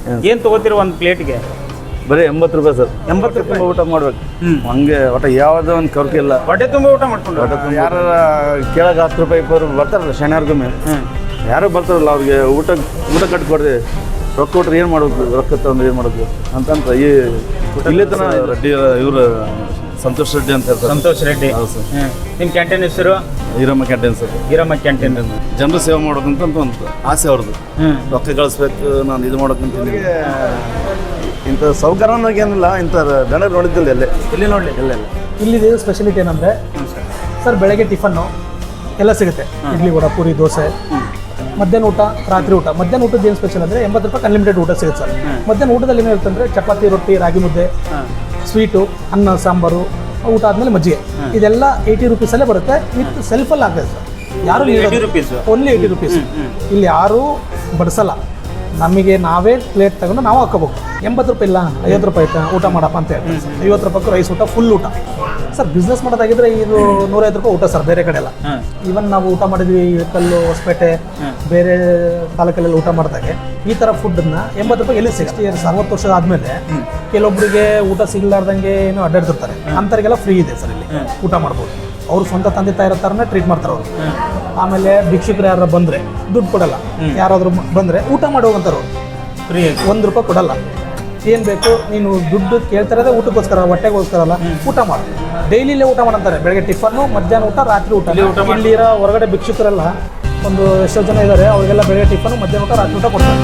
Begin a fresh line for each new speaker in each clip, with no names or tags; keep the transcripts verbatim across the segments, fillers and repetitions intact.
ಏನು ತೊಗೋತೀರ ಒಂದು ಪ್ಲೇಟ್ಗೆ?
ಬರೀ ಎಂಬತ್ತು ರೂಪಾಯಿ ಸರ್.
ಎಂಬತ್ತು ರೂಪಾಯಿ
ಊಟ ಮಾಡ್ಬೇಕು. ಹಂಗೆ ಒಟ್ಟು ಯಾವುದೋ ಒಂದು ಕರ್ಕೆ ಇಲ್ಲ.
ಹೊಟ್ಟೆ ತುಂಬ ಊಟ ಮಾಡ್ಕೊಂಡು
ಯಾರು ಕೇಳಕ್ಕೆ ಹತ್ತು ರೂಪಾಯಿ ಇಪ್ಪತ್ತು ರೂಪಾಯಿ ಬರ್ತಾರಲ್ಲ ಶನಿವಾರಗೊಮ್ಮೆ, ಯಾರು ಬರ್ತಾರಲ್ಲ ಅವ್ರಿಗೆ ಊಟ ಊಟ ಕಟ್ಕೊಡ್ರಿ, ರೊಕ್ಕ ಕೊಟ್ರೆ ಏನು ಮಾಡಬೇಕು, ರೊಕ್ಕ ತಂದು ಏನು ಮಾಡಬೇಕು ಅಂತಂತ ಈ ಇಲ್ಲೇ ತನ ರೆಡ್ಡಿ ಇವರು ಸಂತೋಷ್ ರೆಡ್ಡಿ ಅಂತ ಹೇಳ್ತಾರೆ.
ಸಂತೋಷ್ ರೆಡ್ಡಿ.
ಹೌದು ಸರ್.
ನಿಮ್ಮ ಕ್ಯಾಂಟೀನ್ ಹೆಸರು?
Iramma canteen sir.
Iramma canteen.
ಜನರು ಸೇವೆ ಮಾಡೋದಂತ ಒಂದು ಆಸೆ ಅವ್ರದ್ದು. ರೊಕ್ಕ ಗಳಿಸ್ಬೇಕು, ನಾನು ಇದು ಮಾಡೋಕ್ಕಂತ ಇಂಥ ಸೌಕರ್ಯ ಏನಿಲ್ಲ, ಇಂಥ ದನ ನೋಡಿದ್ದಿಲ್ಲ ಎಲ್ಲೇ
ಇಲ್ಲಿ ನೋಡಲಿ
ಎಲ್ಲ ಇಲ್ಲ.
ಇಲ್ಲಿದೆ ಸ್ಪೆಷಾಲಿಟಿ ಏನಂದರೆ ಸರ್, ಬೆಳಗ್ಗೆ ಟಿಫನ್ನು ಎಲ್ಲ ಸಿಗುತ್ತೆ. ಇಡ್ಲಿ ವಡ ಪೂರಿ ದೋಸೆ. ಮಧ್ಯಾಹ್ನ ಊಟ, ರಾತ್ರಿ ಊಟ. ಮಧ್ಯಾಹ್ನ ಊಟದ ಏನು ಸ್ಪೆಷಲ್ ಅಂದರೆ ಎಂಬತ್ತು ರೂಪಾಯಿ ಅನ್ಲಿಮಿಟೆಡ್ ಊಟ ಸಿಗುತ್ತೆ ಸರ್. ಮಧ್ಯಾಹ್ನ ಊಟದಲ್ಲಿ ಏನು ಇರುತ್ತೆ ಅಂದರೆ ಚಪಾತಿ, ರೊಟ್ಟಿ, ರಾಗಿ ಮುದ್ದೆ, ಸ್ವೀಟು, ಅನ್ನ, ಸಾಂಬಾರು, ಊಟ ಆದಮೇಲೆ ಮಜ್ಜಿಗೆ. ಇದೆಲ್ಲ ಏಯ್ಟಿ ರುಪೀಸಲ್ಲೇ ಬರುತ್ತೆ. ವಿತ್ ಸೆಲ್ಫಲ್ಲಿ ಆಗ್ತದೆ ಸರ್. ಯಾರು ಓನ್ಲಿ ಏಯ್ಟಿ ರುಪೀಸ್. ಇಲ್ಲಿ ಯಾರೂ ಬಡಿಸಲ್ಲ. ನಮಗೆ ನಾವೇ ಪ್ಲೇಟ್ ತಗೊಂಡು ನಾವು ಹಾಕೋಬೇಕು. ಎಂಬತ್ತು ರೂಪಾಯಿ ಇಲ್ಲ, ಐವತ್ತು ರೂಪಾಯಿ ಆಯ್ತಾ ಊಟ ಮಾಡಪ್ಪ ಅಂತ ಹೇಳ್ತಾರೆ ಸರ್. ಐವತ್ತು ರೂಪಾಯಿಗೂ ರೈಸ್ ಊಟ, ಫುಲ್ ಊಟ ಸರ್. ಬಿಸ್ನೆಸ್ ಮಾಡೋದಾಗಿದ್ರೆ ಇದು ನೂರೈವತ್ತು ರೂಪಾಯಿ ಊಟ ಸರ್. ಬೇರೆ ಕಡೆ ಎಲ್ಲ ಈವನ್ ನಾವು ಊಟ ಮಾಡಿದ್ವಿ ಕಲ್ಲು, ಹೊಸಪೇಟೆ, ಬೇರೆ ತಾಲೂಕಲ್ಲೆಲ್ಲ ಊಟ ಮಾಡಿದಾಗೆ ಈ ಥರ ಫುಡ್ಡನ್ನ ಎಂಬತ್ತು ರೂಪಾಯಿ ಎಲ್ಲಿ ಸಿಕ್ಸ್ಟಿ ಇಯರ್ಸ್ ಅರವತ್ತು ವರ್ಷ ಆದಮೇಲೆ ಕೆಲವೊಬ್ಬರಿಗೆ ಊಟ ಸಿಗಲಾರ್ದಂಗೆ ಏನೋ ಅಡ್ಡಾಡ್ತಿರ್ತಾರೆ. ಅಂಥವ್ರಿಗೆಲ್ಲ ಫ್ರೀ ಇದೆ ಸರ್ ಇಲ್ಲಿ ಊಟ ಮಾಡ್ಬೋದು. ಅವ್ರು ಸ್ವಂತ ತಂದೆ ತಾಯಿರೋ ಥರನೇ ಟ್ರೀಟ್ ಮಾಡ್ತಾರೆ ಅವರು. ಆಮೇಲೆ ಭಿಕ್ಷುಕರು ಯಾರು ಬಂದರೆ ದುಡ್ಡು ಕೊಡಲ್ಲ. ಯಾರಾದರೂ ಬಂದರೆ ಊಟ ಮಾಡಿ ಹೋಗಂತಾರೆ ಫ್ರೀ. ಒಂದು ರೂಪಾಯಿ ಕೊಡಲ್ಲ. ಏನು ಬೇಕು ನೀನು ದುಡ್ಡು ಕೇಳ್ತಾರದೇ ಊಟಕ್ಕೋಸ್ಕರ, ಹೊಟ್ಟೆಗೋಸ್ಕರ ಅಲ್ಲ. ಊಟ ಮಾಡು, ಡೈಲಿಲೇ ಊಟ ಮಾಡಂತಾರೆ. ಬೆಳಗ್ಗೆ ಟಿಫನ್ನು, ಮಧ್ಯಾಹ್ನ ಊಟ, ರಾತ್ರಿ ಊಟ. ಇಲ್ಲಿರೋ ಹೊರಗಡೆ ಭಿಕ್ಷುಕರೆಲ್ಲ ಒಂದು ಎಷ್ಟೋ ಜನ ಇದ್ದಾರೆ, ಅವರಿಗೆಲ್ಲ ಬೆಳಗ್ಗೆ ಟಿಫನ್ನು, ಮಧ್ಯಾಹ್ನ ಊಟ, ರಾತ್ರಿ ಊಟ ಕೊಡ್ತಾರೆ.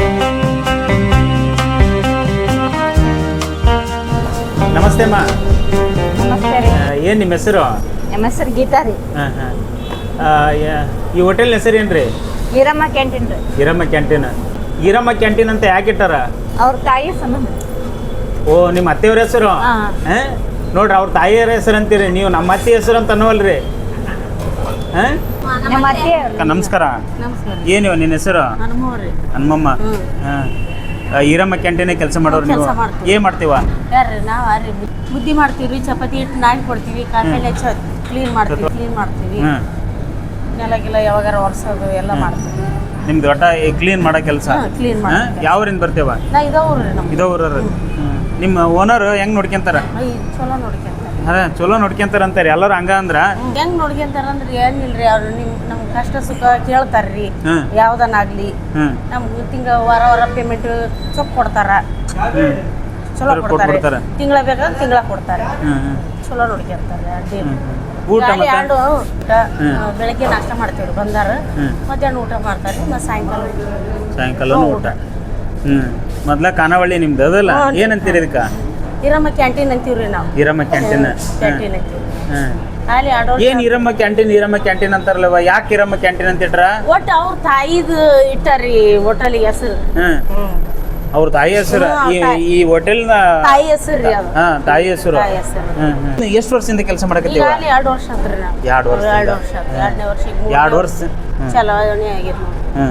ನಮಸ್ತೆ ಅಮ್ಮ.
ನಮಸ್ತೆ ರೀ.
ಏನು ನಿಮ್ಮ ಹೆಸರು?
ನಮ್ಮ ಹೆಸರು ಗೀತಾ ರೀ.
ಹಾಂ ಹಾಂ. ಈ ಹೋಟೆಲ್ ಹೆಸರು ಏನು ರೀ?
ಈರಮ್ಮ ಕ್ಯಾಂಟೀನ್ ರೀ.
ಈರಮ್ಮ ಕ್ಯಾಂಟೀನ್. ಈರಮ್ಮ ಕ್ಯಾಂಟೀನ್ ಅಂತ ಯಾಕೆ ಇಟ್ಟಾರ?
ಅವ್ರ ತಾಯಿ ಸಂಬಂಧ.
ಓ, ನಿಮ್ಮ ಅತ್ತೆಯವ್ರ ಹೆಸರು?
ಹಾಂ.
ಹಾಂ, ನೋಡ್ರಿ ಅವ್ರ ತಾಯಿಯವ್ರ ಹೆಸರು ಅಂತೀರಿ, ನೀವು ನಮ್ಮ ಅತ್ತೆ ಹೆಸರು ಅಂತ ಅನ್ನೋಲ್ರಿ? ಹಾಂ,
ನಮ್ಮ ಅತ್ತೆ.
ನಮಸ್ಕಾರ.
ನಮಸ್ಕಾರ.
ಏನು ನಿನ್ನ ಹೆಸರು?
ಹನುಮವ್ರಿ.
ಹನುಮಮ್ಮ. ಹಾಂ. ಈರಮ್ಮ ಕ್ಯಾಂಟೀನ್ ಕೆಲಸ ಮಾಡೋರು ನೀವು? ಏನು ಮಾಡ್ತೀವ?
ಯಾರ್ರಿ ನಾವು ರೀ ಮುದ್ದೆ ಮಾಡ್ತೀವಿ, ಚಪಾತಿ ಹಿಟ್ಟು ನಾಯಿ ಕೊಡ್ತೀವಿ, ಕಾಫಿ ಹೆಚ್ಚ ಕ್ಲೀನ್ ಮಾಡ್ತೀವಿ ಕ್ಲೀನ್ ಮಾಡ್ತೀವಿ ನೆಲಗಿಲ್ಲ ಯಾವಾಗಾರ ಒರೆಸೋದು ಎಲ್ಲ ಮಾಡ್ತೀವಿ.
ನಿಮ್ದು ಒಟ್ಟ ಕ್ಲೀನ್ ಮಾಡೋ ಕೆಲಸ?
ಕ್ಲೀನ್ ಮಾಡಿ.
ಯಾವ್ರಿಂದ ಬರ್ತೇವ?
ನಾ ಇದವ್ರಿ ನಮ್ಮ
ಇದವ್ರ. ನಿಮ್ಮ ಓನರ್ ಹೆಂಗ್ ನೋಡ್ಕೊಂತಾರ?
ಚಲೋ ನೋಡ್ಕೊಂತಾರೆ.
ಅದೇ ಚಲೋ ನೋಡ್ಕೊಂತಾರ ಅಂತಾರೆ ಎಲ್ಲರೂ. ಹಂಗ ಅಂದ್ರ
ಹೆಂಗ್ ನೋಡ್ಕೊಂತಾರ ಅಂದ್ರೆ ಏನಿಲ್ರಿ, ಅವ್ರು ನಿಮ್ ನಮ್ ಕಷ್ಟ ಸುಖ ಕೇಳ್ತಾರ್ರಿ. ಯಾವ್ದನ್ನಾಗ್ಲಿ ನಮ್ಗೆ ತಿಂಗಳ ವಾರ ವಾರ ಪೇಮೆಂಟ್ ಚೊಕ್ ಕೊಡ್ತಾರ. ಚಲೋ ಕೊಡ್ತಾರೆ. ತಿಂಗಳ ಬೇಕಾದ್ರೆ ತಿಂಗಳ ಕೊಡ್ತಾರೆ. ಚಲೋ ನೋಡ್ಕೊಂತಾರೆ. ಎರಡು ಊಟ ಬೆಳಗ್ಗೆ ನಾಷ್ಟ ಮಾಡ್ತೀವ್ರಿ ಬಂದಾರ, ಮಧ್ಯಾಹ್ನ ಊಟ ಮಾಡ್ತಾರೆ, ಮತ್ತೆ ಸಾಯಂಕಾಲ
ಸಾಯಂಕಾಲ ಊಟ. ಹ್ಮ್. ಮೊದ್ಲ ಖಾನಾವಳಿ ನಿಮ್ದು ಅದಲ್ಲ, ಏನಂತೀರಿ ಇದಕ್ಕ?
ಈರಮ್ಮ ಕ್ಯಾಂಟೀನ್ ಅಂತೀವ್ರಿ ನಾವು.
ಈರಮ್ಮ ಕ್ಯಾಂಟೀನ್.
ಕ್ಯಾಂಟೀನ್ ಅಂತೀವಿ.
ಅಲ್ಲಿ ಏನ್ ಈರಮ್ಮ ಕ್ಯಾಂಟೀನ್ ಈರಮ್ಮ ಕ್ಯಾಂಟೀನ್ ಅಂತಾರಲ್ಲವ, ಯಾಕೆ ಈರಮ್ಮ ಕ್ಯಾಂಟೀನ್ ಅಂತ ಇಟ್ರ?
ಒಟ್ಟು ಅವ್ರ ತಾಯಿದು ಇಟ್ಟಾರಿ ಹೋಟೆಲ್ ಹೆಸರು.
ಅವ್ರ ತಾಯಿ ಹೆಸರು ಈ ಹೋಟೆಲ್
ತಾಯಿ ಹೆಸರು.
ಹಾ, ತಾಯಿ ಹೆಸರು. ಎಷ್ಟು ವರ್ಷದಿಂದ ಕೆಲಸ ಮಾಡಕತ್ತೀವಿ?
ಎರಡು ವರ್ಷ ಆತ್ರಿ ನಾವು.
ಎರಡು ವರ್ಷ.
ಎರಡು ವರ್ಷ ಎರಡನೇ ವರ್ಷ
ಎರಡು ವರ್ಷ
ಚಲಾವಣೆ ಆಗಿರ್.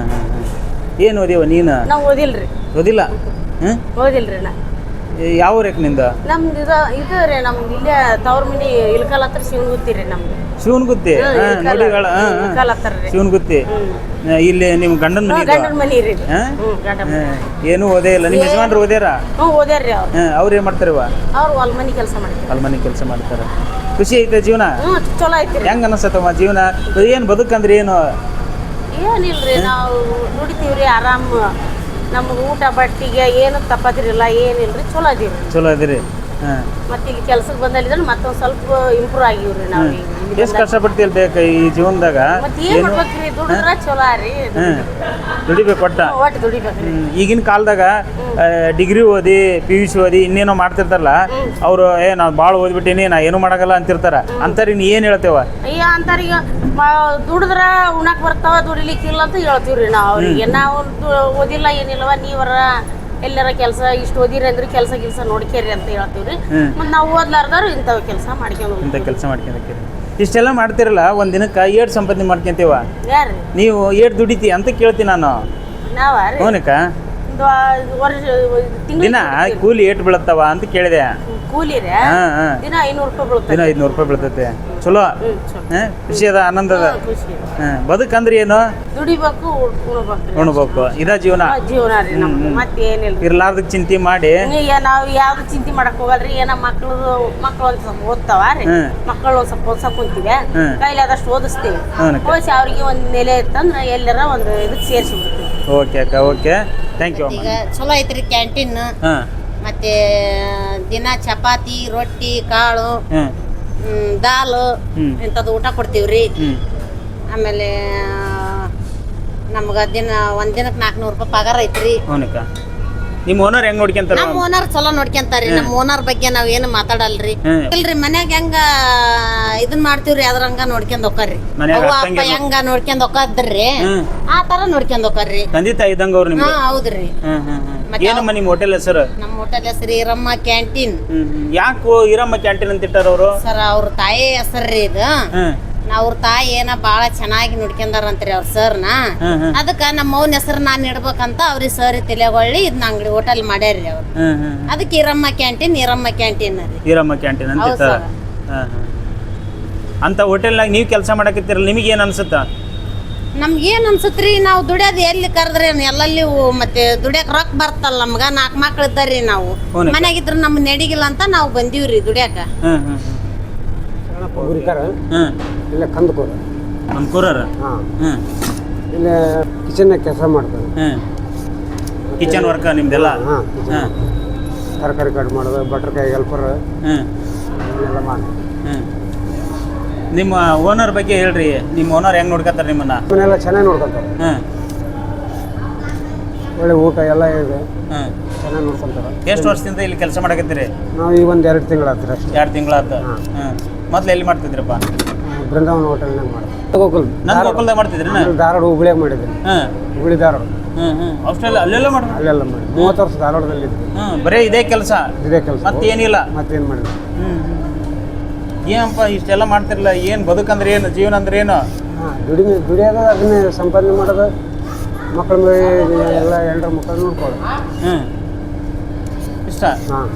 ಏನು ಓದಿವ ನೀನು?
ನಾವು ಓದಿಲ್ರಿ.
ಓದಿಲ್ಲ? ಹ್ಮ್,
ಓದಿಲ್ರಿ ನಾ.
ಯಾವ ಊರಕ್ಕೆ ನಿಂದ?
ನಮ್ದು ಇದು ಇದು ರೀ, ನಮ್ದು ಇಲ್ಲೇ ತವ್ರ ಮನಿ ಇಲ್ಕಲ್ ಹತ್ರ ಶಿವನಗುತ್ತಿ ರೀ ನಮ್ದು.
ಶಿವನಗುತ್ತಿ?
ಇಲ್ಕಲ್ ಹತ್ರ ರೀ
ಶಿವನಗುತ್ತಿ. ಇಲ್ಲಿ ನಿಮ್ಮ ಗಂಡನ ಮನಿ?
ಗಂಡನ ಮನಿ ರೀ.
ಏನು ಓದೇ ಇಲ್ಲ. ನಿಮ್ಮ ಯಜಮಾನ್ರು ಓದ್ಯಾರ?
ಹ್ಞೂ ಓದ್ಯಾರ್ರಿ. ಅವ್ರು
ಅವ್ರು ಏನು ಮಾಡ್ತಾರವ?
ಅವ್ರು ಹೊಲ ಮನಿ ಕೆಲಸ ಮಾಡ್ತಾರೆ.
ಹೊಲ ಮನಿ ಕೆಲಸ ಮಾಡ್ತಾರ. ಖುಷಿ ಐತೆ ಜೀವನ?
ಹ್ಞೂ ಚಲೋ ಐತಿ.
ಹೆಂಗ ಅನಸತ್ತವ ಜೀವನ? ಏನು ಬದುಕಂದ್ರೆ ಏನು?
ಏನಿಲ್ರಿ, ನಾವು ದುಡಿತೀವ್ರಿ ಆರಾಮ್. ನಮ್ಗೆ ಊಟ ಬಟ್ಟಿಗೆ ಏನು ತಪ್ಪದಿರಿಲ್ಲ, ಏನಿಲ್ರಿ, ಚಲೋ ಅದೀವಿ.
ಚಲೋ ಅದಿರಿ.
ಮತ್ತೆ ಇಲ್ಲಿ ಕೆಲ್ಸಕ್ಕೆ ಬಂದಲ್ಲಿದ್ರೆ ಮತ್ತೊಂದು ಸ್ವಲ್ಪ ಇಂಪ್ರೂವ್ ಆಗಿವ್ರಿ ನಾವು.
ಎಷ್ಟು ಕಷ್ಟಪಡ್ತಿಲ್ ಬೇಕು ಈ ಜೀವನದಾಗ?
ಮತ್ತೆ ಏನ್ ಮಾಡ್ಬೇಕ್ರಿ, ದುಡಿದ್ರ ಚಲೋ ರೀ.
ದುಡಿಬೇಕು ಒಟ್ಟ.
ಒಟ್ಟು ದುಡಿಬೇಕ್ರಿ.
ಈಗಿನ ಕಾಲದಾಗ ಡಿಗ್ರಿ ಓದಿ ಪಿ ಯು ಸಿ ಓದಿ ಇನ್ನೇನೋ ಮಾಡ್ತಿರ್ತಾರಲ್ಲ, ಅವ್ರು ಏ ನಾವು ಭಾಳ ಓದ್ಬಿಟ್ಟಿನಿ, ನಾ ಏನು ಮಾಡಾಗಲ್ಲ ಅಂತಿರ್ತಾರ. ಅಂತಾರ ನೀ ಏನು ಹೇಳ್ತೇವ?
ಅಯ್ಯ ಅಂತಾರೀಗ ದುಡಿದ್ರ ಉಣಕ್ ಬರ್ತಾವ, ದುಡಿಲಿಕ್ಕಿಲ್ಲ ಅಂತ ಹೇಳ್ತೀವ್ರಿ ನಾವು ಅವ್ರಿಗೆ. ನಾವು ಓದಿಲ್ಲ ಏನಿಲ್ಲವ, ನೀವರ ಎಲ್ಲರ ಕೆಲಸ ಇಷ್ಟು ಓದಿರಿ ಅಂದ್ರೆ ಕೆಲಸ ಕೆಲಸ ನೋಡ್ಕೇರಿ ಅಂತ ಹೇಳ್ತೀವ್ರಿ. ಮತ್ತೆ ನಾವು ಓದ್ಲಾರ್ದಾರು ಇಂಥವ್ ಕೆಲಸ ಮಾಡ್ಕೊಂಡು
ಇಂಥ ಕೆಲಸ ಮಾಡ್ಕೊಂಡೇರಿ. ಇಷ್ಟೆಲ್ಲ ಮಾಡ್ತಿರಲ್ಲ, ಒಂದ್ ದಿನಕ್ಕೆ ಏಟ್ ಸಂಪಾದನೆ ಮಾಡ್ಕೊಂತೀವ?
ಯಾರು ನೀವು?
ಏಟ್ ದುಡಿತಿ ಅಂತ ಕೇಳ್ತೀನಿ ನಾನು.
ನಾವ
ಹೋನಕ್ಕ
ವರ್ಷ
ದಿನ ಕೂಲಿ ಏಟ್ ಬೀಳತ್ತವ ಅಂತ ಕೇಳಿದೆ.
ಕೂಲಿ ದಿನ ಐನೂರು ರೂಪಾಯಿ ಬೀಳುತ್ತೆ.
ದಿನ ಐದ್ನೂರು ರೂಪಾಯಿ ಬೀಳ್ತೈತೆ. ಚಲೋ
ಹ್ಞೂ ಚಲೋ
ಹಾ, ಖುಷಿ ಅದ ಆನಂದ ಅದ
ಹಾ, ಖುಷಿ
ಹಾ, ಬದುಕಂದ್ರೆ ಏನು
ದುಡಿಬೇಕು ಉಣ್ಬೇಕು
ಉಣ್ಬೇಕು ಇದ ಜೀವನ
ಜೀವನ ರೀ ನಮ್ಗೆ ಮತ್ತೇನಿಲ್ಲ
ಇರ್ಲಾರ್ದಕ್ ಚಿಂತೆ ಮಾಡಿ
ಈಗ ನಾವು ಯಾವ್ದು ಚಿಂತೆ ಮಾಡಕ್ ಹೋಗಲ್ರಿ ಏನ ಮಕ್ಳು ಮಕ್ಳು ಒಂದ್ ಸ್ವಲ್ಪ ಓದ್ತಾವ ರೀ
ಹ್ಮ್.
ಮಕ್ಕಳು ಒಂದ್ ಸ್ವಲ್ಪ ಓದ್ಸಕ್ ಕುಂತೀವಿ
ಹ್ಮ್.
ಕೈಲಾದಷ್ಟು ಓದಿಸ್ತೀವಿ
ಹ್ಞೂನಕ್ಕ.
ಓದಿಸಿ ಅವ್ರಿಗೆ ಒಂದು ನೆಲೆ ಇತ್ತಂದ್ರೆ ಎಲ್ಲರ ಒಂದು ಇದಕ್ಕೆ ಸೇರಿಸಿ ಬಿಡ್ತೀವಿ
ಓಕೆ ಅಕ್ಕ ಓಕೆ ಥ್ಯಾಂಕ್ ಯು
ಈಗ ಚಲೋ ಐತ್ರಿ ಕ್ಯಾಂಟೀನ್
ಹಾಂ
ಮತ್ತೆ ದಿನ ಚಪಾತಿ ರೊಟ್ಟಿ ಕಾಳು
ಹಾಂ
ಹ್ಮ್, ದಾಲು
ಹ್ಮ್.
ಇಂಥದ್ದು ಊಟ ಕೊಡ್ತೀವ್ರಿ
ಹ್ಞೂ
ಆಮೇಲೆ ನಮ್ಗೆ ದಿನ ಒಂದ್ ದಿನಕ್ಕೆ ನಾಲ್ಕುನೂರು ರೂಪಾಯಿ ಪಗಾರ ಐತ್ರಿ
ಹ್ಞೂನಕ್ಕ ನಿಮ್ಮ ಓನರ್ ಹೆಂಗ್ ನೋಡ್ಕೊಂತಾರ
ನಮ್ಮ ಓನರ್ ಚಲೋ ನೋಡ್ಕೊಂತಾರಿ ನಮ್ಮ ಓನರ್ ಬಗ್ಗೆ ನಾವ್ ಏನು ಮಾತಾಡಲ್ರಿ
ಹ್ಮ್.
ಇಲ್ರಿ ಮನ್ಯಾಗ ಹೆಂಗ ಇದನ್ ಮಾಡ್ತೀವ್ರಿ ಅದ್ರಂಗ ನೋಡ್ಕೊಂಡ್ ಹೋಗ್ತಾರ್ರಿ
ಮನ್ಯಾಗ
ಅವ್ವ
ಅಕ್ಕಂಗೆ
ಅಪ್ಪ ಹೆಂಗ ನೋಡ್ಕೊಂಡ್ ಹೋಗ್ತಾರ್ರಿ
ಹ್ಮ್.
ಆ ತರ ನೋಡ್ಕೊಂಡ್ ಹೋಗ್ತಾರ್ರಿ
ತಂದೆ ತಾಯಿ ಇದ್ದಂಗ ಅವ್ರು
ಹಾ
ನಿಮ್ಗೆ
ಹೌದ್ರಿ
ಹ್ಮ್ ಹ್ಮ್ ಹ್ಮ್
ಮತ್ತೆ
ಏನಮ್ಮ ನಿಮ್ಮ ಹೋಟೆಲ್ ಹೆಸರು
ನಮ್ಮ ಹೋಟೆಲ್ ಹೆಸರು ಈರಮ್ಮ ಕ್ಯಾಂಟೀನ್
ಹ್ಮ್ ಹ್ಮ್ ಯಾಕೆ ಈರಮ್ಮ ಕ್ಯಾಂಟೀನ್ ಅಂತ ಇಟ್ಟಾರ ಅವರು
ಸರ್ ಅವ್ರ ತಾಯಿ ಹೆಸರ್ರಿ ಇದು
ಹ್ಮ್
ನಾ ಅವ್ರ ತಾಯಿ ಏನ ಬಾಳ ಚೆನ್ನಾಗಿ ನೋಡ್ಕೊಂಡಾರಂತ್ರಿ ಅವ್ರ ಸರ್ನ
ಹ್ಮ್ ಹ್ಮ್
ಅದಕ್ಕ ನಮ್ಮ ಮೌನ್ ಹೆಸರು ನಾನ್ ಇಡ್ಬೇಕಂತ ಅವ್ರಿಗೆ ಸರ್ ತಲೆಗೊಳ್ಳಿ ಇದನ್ನ ಅಂಗಡಿ ಹೋಟೆಲ್ ಮಾಡ್ಯಾರ್ರಿ ಅವ್ರು
ಹ್ಮ್ ಹ್ಮ್
ಅದಕ್ಕೆ ಈರಮ್ಮ ಕ್ಯಾಂಟೀನ್ ಈರಮ್ಮ ಕ್ಯಾಂಟೀನ್ ರೀ
ಈರಮ್ಮ ಕ್ಯಾಂಟೀನ್ ಅಂತ
ಹೌದ್
ಇಟ್ಟಾರ
ಸರ್.
ಹಾಂ ಹಾಂ ಅಂತ ಹೋಟೆಲ್ನಾಗ ನೀವು ಕೆಲಸ ಮಾಡಕತ್ತೀರಲ್ಲ ನಿಮಗೆ ಏನು ಅನ್ಸುತ್ತಾ
ನಮ್ಗೇನ್ ಅನ್ಸತ್ರಿ ನಾವು ದುಡಿಯೋದು ಎಲ್ಲಿ ಕರೆದ್ರೆ ಎಲ್ಲಲ್ಲಿ ಹೋ- ಮತ್ತೆ ದುಡಿಯಕ್ ರೊಕ್ಕ ಬರ್ತಲ್ಲ ನಮ್ಗ ನಾಲ್ಕು ಮಕ್ಳು ಇದ್ದಾರ್ರಿ ನಾವು
ಹೌನಕ್ಕ.
ಮನ್ಯಾಗಿದ್ರ ನಮ್ ನಡಿಗಿಲ್ಲ ಅಂತ ನಾವು ಬಂದೀವ್ರಿ ದುಡಿಯಾಕ
ಹ್ಮ್ ಹ್ಮ್
ಗುರಿಕಾರ
ಹ್ಮ್
ಇಲ್ಲ ಕಂದಕೂರು
ಅನ್ಕೂರರ
ಹಾಂ
ಹ್ಮ್
ಇಲ್ಲ ಕಿಚನ್ನಾಗ ಕೆಲಸ ಮಾಡ್ತಾರೆ
ಹ್ಮ್ ಕಿಚನ್ ವರ್ಕ ನಿಮ್ದೆಲ್ಲ
ಹಾಂ
ಹಾಂ
ತರಕಾರಿ ಕಟ್ ಮಾಡೋದು ಬಟ್ರಕಾಯಿ ಹೆಲ್ಪರ್
ಹ್ಮ್
ಇವನ್ನೆಲ್ಲ ಮಾಡಿ
ಹ್ಮ್ ನಿಮ್ಮ ಓನರ್ ಬಗ್ಗೆ ಹೇಳ್ರಿ ನಿಮ್ಮ ಓನರ್ ಹೆಂಗ್ ನೋಡ್ಕೊತಾರೆ ನಿಮ್ಮನ್ನ
ಇವನ್ನೆಲ್ಲ ಚೆನ್ನಾಗಿ ನೋಡ್ಕೊತಾರೆ
ಹ್ಮ್
ಒಳ್ಳೆ ಊಟ ಎಲ್ಲ ಇದೆ
ಹ್ಮ್
ಚೆನ್ನಾಗಿ ನೋಡ್ಕೊತಾರೆ
ಎಷ್ಟು ವರ್ಷದಿಂದ ಇಲ್ಲಿ ಕೆಲಸ ಮಾಡಕತ್ತೀರಿ
ನಾವು ಈ ಒಂದು ಎರಡು ತಿಂಗಳು ಆಗ್ತೀರಿ ಅಷ್ಟೇ
ಎರಡು ತಿಂಗಳಾತ ಹ್ಮ್ ಮೊದ್ಲು ಎಲ್ಲಿ ಮಾಡ್ತಿದ್ರಪ್ಪ
ಬೃಂದಾವನ ಹೋಟೆಲ್ನಾಗ ಮಾಡ್ತೀವಿ ಗೋಕುಲ್
ನನ್ನ ಗೋಕುಲ್ದಾಗ ಮಾಡ್ತಿದ್ರಿ
ನಾನು ಧಾರವಾಡ ಹುಬ್ಳಿಯಾಗ ಮಾಡಿದ್ದೀನಿ
ಹ್ಮ್
ಹುಬ್ಳಿ ಧಾರವಾಡ
ಹ್ಮ್ ಹ್ಮ್ ಅಷ್ಟೆಲ್ಲ ಅಲ್ಲೆಲ್ಲ ಮಾಡ್ರಿ
ಅಲ್ಲೆಲ್ಲ ಮಾಡಿ ಮೂವತ್ತು ವರ್ಷ ಧಾರವಾಡದಲ್ಲಿ ಇದ್ವಿ
ಹ್ಮ್ ಬರೀ ಇದೇ ಕೆಲಸ
ಇದೇ ಕೆಲಸ
ಮತ್ತೇನಿಲ್ಲ
ಮತ್ತೇನು ಮಾಡಿದ್ವಿ
ಹ್ಮ್ ಏನಪ್ಪ ಇಷ್ಟೆಲ್ಲ ಮಾಡ್ತಿರಲ್ಲ ಏನು ಬದುಕಂದ್ರೆ ಏನು ಜೀವನ ಅಂದ್ರೆ ಏನು
ಹಾಂ ದುಡಿಮೆ ದುಡಿಯೋದು ಅದನ್ನೇ ಸಂಪಾದನೆ ಮಾಡೋದು ಮಕ್ಕಳ ಮೇಲೆ ಎಲ್ಲ ಎಲ್ಲರ ಮಕ್ಕಳು ನೋಡ್ಕೊಳ್ಳೋದು
ಹ್ಮ್ ಇಷ್ಟ
ಹಾಂ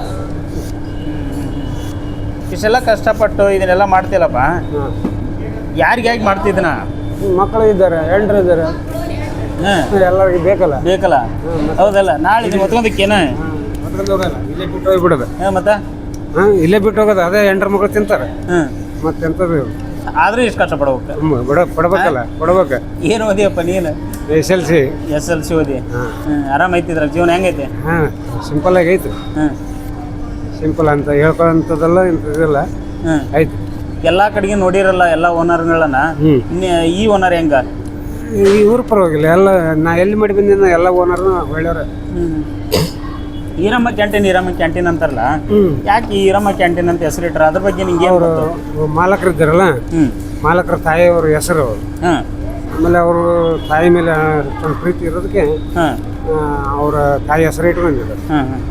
ಇಷ್ಟೆಲ್ಲ ಕಷ್ಟಪಟ್ಟು ಇದನ್ನೆಲ್ಲ ಮಾಡ್ತಿಲ್ಲಪ್ಪ
ಹಾಂ
ಯಾರಿಗಾಗಿ ಮಾಡ್ತಿದ್ದನ
ಮಕ್ಕಳು ಇದ್ದಾರೆ ಹೆಂಡ್ರು ಇದ್ದಾರೆ
ಹ್ಮ್
ಎಲ್ಲರಿಗೆ ಬೇಕಲ್ಲ
ಬೇಕಲ್ಲ ಹೌದಲ್ಲ ನಾಳೆ ಇದು ಹೊತ್ಕೊಂಡಕ್ಕೇನ
ಹೊತ್ಕೊಂಡು ಹೋಗಲ್ಲ ಇಲ್ಲೇ ಬಿಟ್ಟು ಹೋಗ್ಬಿಡೋದು
ಹ್ಮ್ ಮತ್ತೆ
ಹಾಂ ಇಲ್ಲೇ ಬಿಟ್ಟು ಹೋಗೋದು ಅದೇ ಹೆಂಡ್ರ ಮಕ್ಕಳು ತಿಂತಾರೆ
ಹ್ಮ್
ಮತ್ತೆ ಎಂಥದ್ದು
ಆದ್ರೂ ಇಷ್ಟು ಕಷ್ಟಪಡ್ಬೇಕು
ಹ್ಮ್, ಬಿಡ ಕೊಡ್ಬೇಕಲ್ಲ ಕೊಡ್ಬೇಕು
ಏನು ಓದಿಯಪ್ಪ ನೀನು
S L C
S L C ಓದಿ
ಹಾಂ
ಹ್ಮ್ ಆರಾಮ ಐತಿದ್ರ ಜೀವನ ಹೆಂಗೈತೆ
ಹಾಂ ಸಿಂಪಲ್ ಆಗಿ ಐತಿ
ಹ್ಮ್
ಸಿಂಪಲ್ ಅಂತ ಹೇಳ್ಕೊಳ್ಳೋಂಥದ್ದಲ್ಲ ಇಂಥದ್ದಿಲ್ಲ
ಹ್ಮ್
ಐತಿ
ಎಲ್ಲ ಕಡೆಗೆ ನೋಡಿರಲ್ಲ ಎಲ್ಲ ಓನರ್ಗಳನ್ನ
ಹ್ಞೂ
ಈ ಓನರ್ ಹೆಂಗ
ಈ ಊರು ಪರವಾಗಿಲ್ಲ ಎಲ್ಲ ನಾ ಎಲ್ಲಿ ಮಾಡಿ ಬಂದಿನ ಎಲ್ಲ ಓನರ್ನು ಒಳ್ಳೆಯವ್ರ
ಹ್ಮ್ ಈರಮ್ಮ ಕ್ಯಾಂಟೀನ್ ಈರಮ್ಮ ಕ್ಯಾಂಟೀನ್ ಅಂತಾರಲ್ಲ
ಹ್ಞೂ
ಯಾಕೆ ಈ ಈರಮ್ಮ ಕ್ಯಾಂಟೀನ್ ಅಂತ ಹೆಸರಿಟ್ರ ಅದ್ರ ಬಗ್ಗೆ ನಿಂಗೆ ಏನು
ಅವರು
ಗೊತ್ತು
ಮಾಲಕರು ಇದ್ದಾರಲ್ಲ
ಹ್ಮ್
ಮಾಲಕರ ತಾಯಿಯವ್ರ ಹೆಸರು
ಹಾಂ
ಆಮೇಲೆ ಅವರು ತಾಯಿ ಮೇಲೆ ಅಷ್ಟೊಂದು ಪ್ರೀತಿ ಇರೋದಕ್ಕೆ
ಹಾಂ
ಅವರ ತಾಯಿ ಹೆಸರು ಇಟ್ಕೊಂಡಿದ್ದಾರೆ
ಹಾಂ ಹಾಂ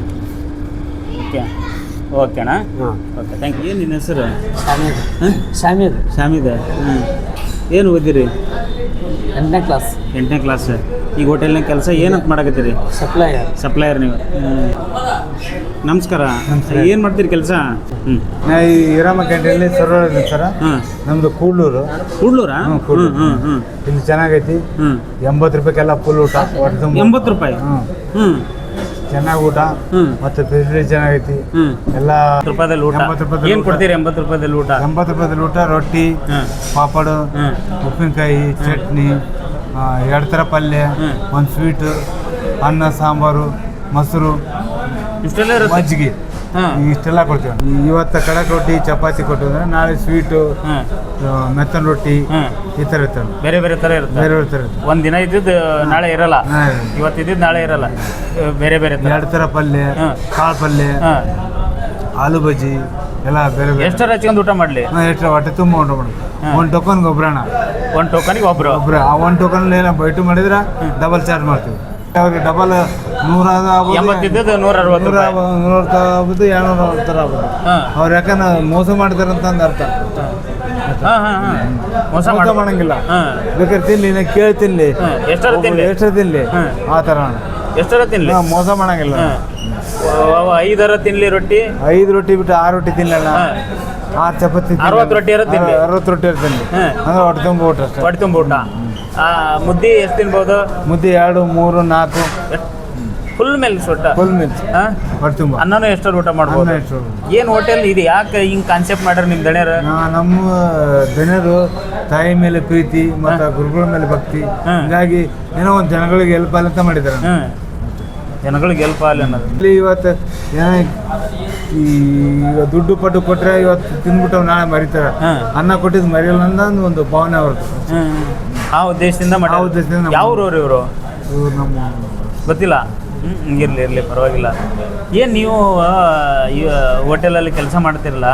ಓಕೆ ಓಕೆಣ್ಣ
ಹಾಂ
ಓಕೆ ಥ್ಯಾಂಕ್ ಯು ಏನು ನಿನ್ನ ಹೆಸರು
ಶಾಮೀದ್
ಹಾಂ
ಶಾಮೀದ್
ಶಾಮಿದ ಹ್ಞೂ ಏನು ಓದಿರಿ
ಎಂಟನೇ ಕ್ಲಾಸ್
ಎಂಟನೇ ಕ್ಲಾಸ್ ಈಗ ಹೋಟೆಲ್ನಾಗ ಕೆಲಸ ಏನಂತ ಮಾಡಕತ್ತೀರಿ
ಸಪ್ಲೈಯರ್
ಸಪ್ಲೈಯರ್ ನೀವು ಹ್ಮ್. ನಮಸ್ಕಾರ ಏನು ಮಾಡ್ತೀರಿ ಕೆಲಸ ಹ್ಞೂ
ನಾ ಈ ಈರಮ್ಮ ಕ್ಯಾಂಟೀನಲ್ಲಿ ಸರ್ವರ್ ಇದೆ ಸರ
ಹಾಂ
ನಮ್ದು ಕೂಡ್ಲೂರು
ಕೂಡ್ಲೂರಾ ಹ್ಞೂ ಹ್ಞೂ ಹ್ಞೂ ಹ್ಞೂ
ಇಲ್ಲಿ ಚೆನ್ನಾಗೈತಿ
ಹ್ಞೂ
ಎಂಬತ್ತು ರೂಪಾಯಿಗೆಲ್ಲ ಫುಲ್ ಊಟ ಹೊಟ್ಟೆ ತುಂಬ
ಎಂಬತ್ತು ರೂಪಾಯಿ
ಹ್ಞೂ
ಹ್ಞೂ
ಚೆನ್ನಾಗಿ ಊಟ
ಹ್ಞೂ
ಮತ್ತೆ ಫೆಸಿಲಿಟಿ ಚೆನ್ನಾಗೈತಿ
ಹ್ಞೂ
ಎಲ್ಲ
ರೂಪಾಯಿದಲ್ಲಿ ಊಟ
ಎಂಬತ್ತು ರೂಪಾಯಿದಲ್ಲಿ
ಏನು
ಊಟ.
ಕೊಡ್ತೀರಿ ಎಂಬತ್ತು ರೂಪಾಯಿದಲ್ಲಿ ಊಟ
ಎಂಬತ್ತು ರೂಪಾಯಿದಲ್ಲಿ ಊಟ ರೊಟ್ಟಿ
ಹಾಂ
ಪಾಪಡು
ಹಾಂ
ಉಪ್ಪಿನಕಾಯಿ ಚಟ್ನಿ ಆ, ಎರಡು ಥರ ಪಲ್ಯ
ಹ್ಮ್.
ಒಂದು ಸ್ವೀಟು ಅನ್ನ ಸಾಂಬಾರು ಮೊಸರು
ಇಷ್ಟೆಲ್ಲ ಇರುತ್ತೆ
ಮಜ್ಜಿಗೆ
ಹಾಂ
ಇಷ್ಟೆಲ್ಲ ಕೊಡ್ತೀವಿ ಇವತ್ತು ಕಡಕ್ ರೊಟ್ಟಿ ಚಪಾತಿ ಕೊಟ್ಟು ಅಂದ್ರೆ ನಾಳೆ ಸ್ವೀಟು
ಹಾಂ
ಮೆತ್ತನ್ ರೊಟ್ಟಿ
ಹಾಂ
ಈ ಥರ ಇರ್ತವೆ
ಬೇರೆ ಬೇರೆ ಥರ ಇರುತ್ತೆ
ಬೇರೆ ಬೇರೆ ಥರ ಇರ್ತವೆ
ಒಂದು ದಿನ ಇದ್ದಿದ್ದು ನಾಳೆ ಇರಲ್ಲ
ಹಾಂ.
ಇವತ್ತು ಇದ್ದಿದ್ದು ನಾಳೆ ಇರಲ್ಲ ಅಹ್, ಬೇರೆ ಬೇರೆ ಥರ
ಎರಡು ಥರ ಪಲ್ಯ
ಹಾಂ.
ಕಾಳು ಪಲ್ಯ
ಹಾಂ
ಆಲೂ ಬಜ್ಜಿ ಎಲ್ಲ ಬೇರೆ ಬೇರೆ
ಎಷ್ಟರ ಹಚ್ಕೊಂಡು ಊಟ ಮಾಡಲಿ
ಹಾಂ, ಎಷ್ಟು ಹೊಟ್ಟೆ ತುಂಬ ಉಂಟು ಮಾಡೋದು
ಹಾಂ.
ಒಂದು ಟೋಕನ್ಗೆ ಒಬ್ರಣ
ಒಂದು ಟೋಕನಿಗೆ ಒಬ್ಬರು
ಒಬ್ರು ಆ ಒಂದು ಟೋಕನ್ ಏನೋ ಬೈಟು ಮಾಡಿದ್ರೆ ಡಬಲ್ ಚಾರ್ಜ್ ಮಾಡ್ತೀವಿ ಅವ್ರಿಗೆ ಡಬಲ್ ನೂರ
ಎಂಬತ್ತಿದ್ದದ್ದು ನೂರ ಅರವತ್ತು
ನೂರ
ರೂಪಾಯಿ
ನೂರ ಆಗ್ಬೋದು ಎರಡ್ನೂರ ಥರ ಆಗ್ಬೋದು
ಹಾಂ
ಅವ್ರು ಯಾಕಂದ್ರೆ ಮೋಸ ಮಾಡ್ತಾರಂತ ಅಂದ್ ಅರ್ಥ
ಹಾಂ ಹಾಂ ಹಾಂ ಮೋಸ
ಮೋಸ
ಮಾಡ
ಮಾಡಂಗಿಲ್ಲ
ಹಾಂ
ಬೇಕಾದ್ರೆ ತಿನ್ಲಿ ನಾ ಕೇಳಿ ತಿನ್ಲಿ
ಹಾಂ ಎಷ್ಟರ ತಿನ್ಲಿ
ಎಷ್ಟು ತಿನ್ಲಿ
ಹಾಂ.
ಆ ಥರ
ಎಷ್ಟರ ತಿನ್ಲಿ
ನಾವು ಮೋಸ ಮಾಡಂಗಿಲ್ಲ
ಹಾಂ ಐದರ ತಿನ್ಲಿ ರೊಟ್ಟಿ
ಐದು ರೊಟ್ಟಿ ಬಿಟ್ಟು ಆರು ರೊಟ್ಟಿ ತಿನ್ನಲ್ಲ
ಹಾಂ
ಆರು ಚಪಾತಿ
ಅರವತ್ತು ರೊಟ್ಟಿ ಇರುತ್ತೆ ಇಲ್ಲಿ?
ಅರವತ್ತು ರೊಟ್ಟಿ ಇರ್ತೇನೆ
ಹಾಂ.
ಅಂದ್ರೆ ಹೊಟ್ಟೆ ತುಂಬ ಊಟ ಅಷ್ಟೇ.
ಹೊಟ್ಟೆ ತುಂಬ ಊಟ. ಆ, ಮುದ್ದೆ ಎಷ್ಟು ತಿನ್ಬೋದು?
ಮುದ್ದೆ ಎರಡು ಮೂರು ನಾಲ್ಕು
ಫುಲ್ ಮೇಲೆ ಸೊಟ್ಟ
ಫುಲ್ ಮಿರ್ಚ್
ಹಾಂ.
ಹೊಟ್ಟೆ ತುಂಬ
ಅನ್ನನೂ ಎಷ್ಟರ ಊಟ ಮಾಡ್ಬೋದು?
ಅನ್ನ ಎಷ್ಟು
ಏನು ಹೋಟೆಲ್ ಇದು ಯಾಕೆ ಹಿಂಗೆ ಕಾನ್ಸೆಪ್ಟ್ ಮಾಡ್ಯಾರ ನಿಮ್ಮ ದಣ್ಯರ?
ನಾ- ನಮ್ಮ ಜನರು ತಾಯಿ ಮೇಲೆ ಪ್ರೀತಿ ಮತ್ತು ಗುರುಗಳ ಮೇಲೆ ಭಕ್ತಿ,
ಹ್ಮ್.
ಹೀಗಾಗಿ ಏನೋ ಒಂದು ಜನಗಳಿಗೆ ಹೆಲ್ಪ್ ಆಗಲಿ ಅಂತ ಮಾಡಿದ್ದಾರೆ.
ಹ್ಞೂ ಜನಗಳಿಗೆ ಹೆಲ್ಪ್ ಆಗಲಿ ಅನ್ನೋದು.
ಇಲ್ಲಿ ಇವತ್ತು ಏನೋ ಈ ಈಗ ದುಡ್ಡು ಪಟ್ಟು ಕೊಟ್ಟರೆ ಇವತ್ತು ತಿಂದ್ಬಿಟ್ಟು ನಾಳೆ ಮರಿತಾರೆ,
ಹ್ಮ್.
ಅನ್ನ ಕೊಟ್ಟಿದ್ದು ಮರೆಯಲ್ಲ ಅನ್ನೋ ಒಂದು ಭಾವನೆ ಅವ್ರದ್ದು.
ಹ್ಞೂ ಆ ಉದ್ದೇಶದಿಂದ
ಆ ಉದ್ದೇಶದಿಂದ
ಮಾಡಿ.
ನಮ್ಮ-
ಯಾವ ಊರವ್ರು ಇವರು?
ಇವ್ರು ನಮ್ಮ
ಗೊತ್ತಿಲ್ಲ. ಹ್ಞೂ ಇರಲಿ ಇರಲಿ ಪರವಾಗಿಲ್ಲ. ಏನು ನೀವು ಈ ಹೋಟೆಲಲ್ಲಿ ಕೆಲಸ ಮಾಡ್ತಿರಲ್ಲ,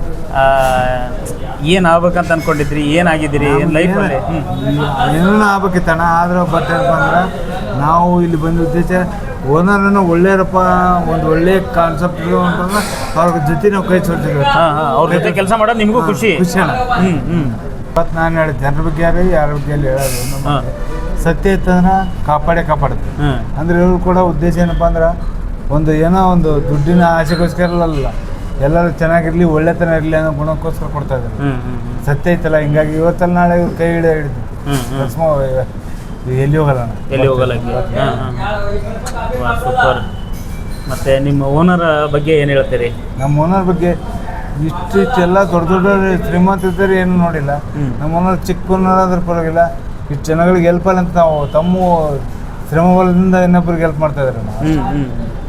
ಏನು ಆಗ್ಬೇಕಂತ ಅನ್ಕೊಂಡಿದ್ರಿ? ಏನಾಗಿದ್ದೀರಿ ಲೈಫಲ್ಲಿ? ಹ್ಞೂ
ಏನೋ ಆಗ್ಬೇಕಿತ್ತಣ್ಣ, ಆದ್ರೆ ಬಟ್ ಏನಪ್ಪ ಅಂದ್ರೆ ನಾವು ಇಲ್ಲಿ ಬಂದ ಉದ್ದೇಶ ಓನರನ್ನು ಒಳ್ಳೆಯರಪ್ಪ, ಒಂದು ಒಳ್ಳೆ ಕಾನ್ಸೆಪ್ಟ್ ಅಂತಂದ್ರೆ ಅವ್ರ ಜೊತೆ ನಾವು ಕೈ ಸೋರ್ತಿದ್ವಿ.
ಹಾಂ ಹಾಂ ಅವ್ರ ಜೊತೆ ಕೆಲಸ ಮಾಡೋದು ನಿಮಗೂ ಖುಷಿ?
ಖುಷಿ ಅಣ್ಣ.
ಹ್ಞೂ ಹ್ಞೂ
ಇವತ್ತು ನಾನು ಹೇಳಿದ ಜನರ ಬಗ್ಗೆ ಯಾರು ಯಾರ ಬಗ್ಗೆ ಅಲ್ಲಿ ಹೇಳೋದು ನಮ್ಮ
ಹಾಂ.
ಸತ್ಯ ಇತ್ತಂದ್ರೆ ಕಾಪಾಡೇ ಕಾಪಾಡುತ್ತೆ.
ಹ್ಞೂ
ಅಂದ್ರೆ ಇವ್ರು ಕೂಡ ಉದ್ದೇಶ ಏನಪ್ಪ ಅಂದ್ರೆ ಒಂದು ಏನೋ ಒಂದು ದುಡ್ಡಿನ ಆಸೆಗೋಸ್ಕರ ಅಲ್ಲ, ಎಲ್ಲರೂ ಚೆನ್ನಾಗಿರಲಿ ಒಳ್ಳೆತನ ಇರಲಿ ಅನ್ನೋ ಗುಣಕ್ಕೋಸ್ಕರ ಕೊಡ್ತಾ ಇದ್ದಾರೆ.
ಹ್ಞೂ ಹ್ಞೂ ಹ್ಞೂ
ಸತ್ಯ ಐತಲ್ಲ, ಹಿಂಗಾಗಿ ಇವತ್ತಲ್ಲಿ ನಾಳೆ ಇವ್ರು ಕೈ ಹಿಡಿದು ಹಿಡಿದು
ಹ್ಞೂ ಹ್ಞೂ
ಭಸ್ಮ ಎಲ್ಲಿ ಹೋಗಲ್ಲ ಅಣ್ಣ.
ಎಲ್ಲಿ ಹೋಗಲ್ಲ? ಹಾಂ ಹಾಂ ಸೂಪರ್. ಮತ್ತು ನಿಮ್ಮ ಓನರ್ ಬಗ್ಗೆ ಏನು ಹೇಳ್ತೀರಿ?
ನಮ್ಮ ಓನರ್ ಬಗ್ಗೆ ಇಷ್ಟು ಇಷ್ಟೆಲ್ಲ ದೊಡ್ಡ ದೊಡ್ಡ ಶ್ರೀಮಂತ ಇದ್ದಾರೆ ಏನು ನೋಡಿಲ್ಲ.
ಹ್ಮ್. ನಮ್ಮ
ನಮ್ಮ ಓನರ್ ಚಿಕ್ಕ ಓನರ್ ಆದ್ರೆ ಪರವಾಗಿಲ್ಲ, ಇಷ್ಟು ಜನಗಳಿಗೆ ಹೆಲ್ಪ್ ಅಲ್ಲ ಅಂತ ನಾವು ತಮ್ಮ ಶ್ರಮ ಬಲದಿಂದ ಇನ್ನೊಬ್ಬರಿಗೆ ಹೆಲ್ಪ್ ಮಾಡ್ತಾ ಇದ್ದಾರೆ.
ಹ್ಞೂ ಹ್ಞೂ